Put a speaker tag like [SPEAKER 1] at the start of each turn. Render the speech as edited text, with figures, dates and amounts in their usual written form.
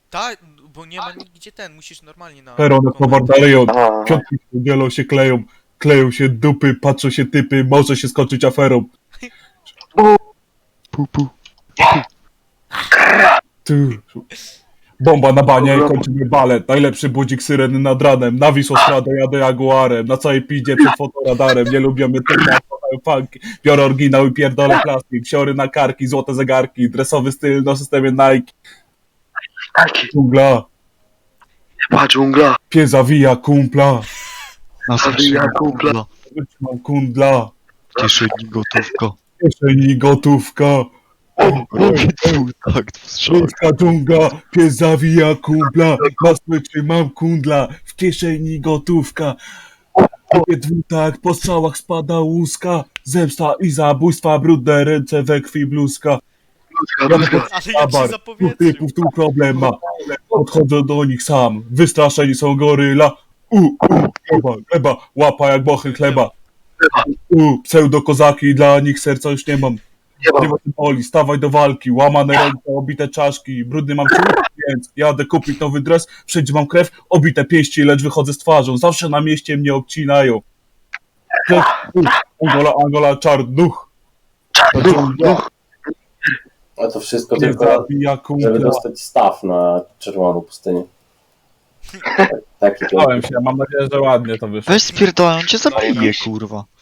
[SPEAKER 1] Tak, bo nie ma nigdzie musisz normalnie na...
[SPEAKER 2] Perone towar
[SPEAKER 1] konwent.
[SPEAKER 2] dalej od.
[SPEAKER 3] A,
[SPEAKER 2] Piątki dzielą się kleją. Kleją się dupy, patrzą się typy, może się skończyć aferą.
[SPEAKER 4] Pu.
[SPEAKER 2] Ty. Bomba na banie i kończymy balet. Najlepszy budzik syreny nad ranem. Na Wisłostradę jadę Jaguarem. Na całej piździe przed fotoradarem. Nie lubię tylko funky. Biorę oryginał i pierdolę plastik. Siory na karki, złote zegarki. Dresowy styl na systemie Nike.
[SPEAKER 3] taki,
[SPEAKER 2] Dżungla.
[SPEAKER 3] chyba dżungla.
[SPEAKER 2] Pies zawija kumpla.
[SPEAKER 4] Na
[SPEAKER 3] Zabija
[SPEAKER 4] zawsze
[SPEAKER 3] kumpla.
[SPEAKER 4] kundla.
[SPEAKER 2] Wytrzymam kundla.
[SPEAKER 4] W kieszeni gotówka.
[SPEAKER 2] W kieszeni gotówka.
[SPEAKER 4] Robię twój takt w strzał.
[SPEAKER 2] Miejska dżungla, pies zawija kumpla, na smyczy mam kundla, w kieszeni gotówka. Robię dwutak, po strzałach spada łuska, zemsta i zabójstwa, brudne ręce we krwi bluzka.
[SPEAKER 3] Bluzka.
[SPEAKER 1] Ale jak się
[SPEAKER 2] Dwóch
[SPEAKER 1] zapowietrzył.
[SPEAKER 2] typów tu problem ma, podchodzę do nich sam, wystraszeni są goryla. Gleba, łapa jak bochy chleba. Pseudo-kozaki, dla nich serca już nie mam.
[SPEAKER 3] Nie
[SPEAKER 2] Nie
[SPEAKER 3] ma.
[SPEAKER 2] ma tym boli, stawaj do walki, łamane ręce, obite czaszki, brudny mam ciuch, więc jadę kupić nowy dres, wszędzie mam krew, obite pięści, lecz wychodzę z twarzą, zawsze na mieście mnie obcinają. Angola, czarnuch.
[SPEAKER 5] A to wszystko
[SPEAKER 2] Nie
[SPEAKER 5] tylko,
[SPEAKER 2] zabija
[SPEAKER 5] żeby
[SPEAKER 2] kumpla.
[SPEAKER 5] dostać staw na czerwoną pustynię. Taki
[SPEAKER 2] Bałem się, mam nadzieję, że ładnie to wyszło.
[SPEAKER 4] Weź spierdolę, on cię zabije, kurwa.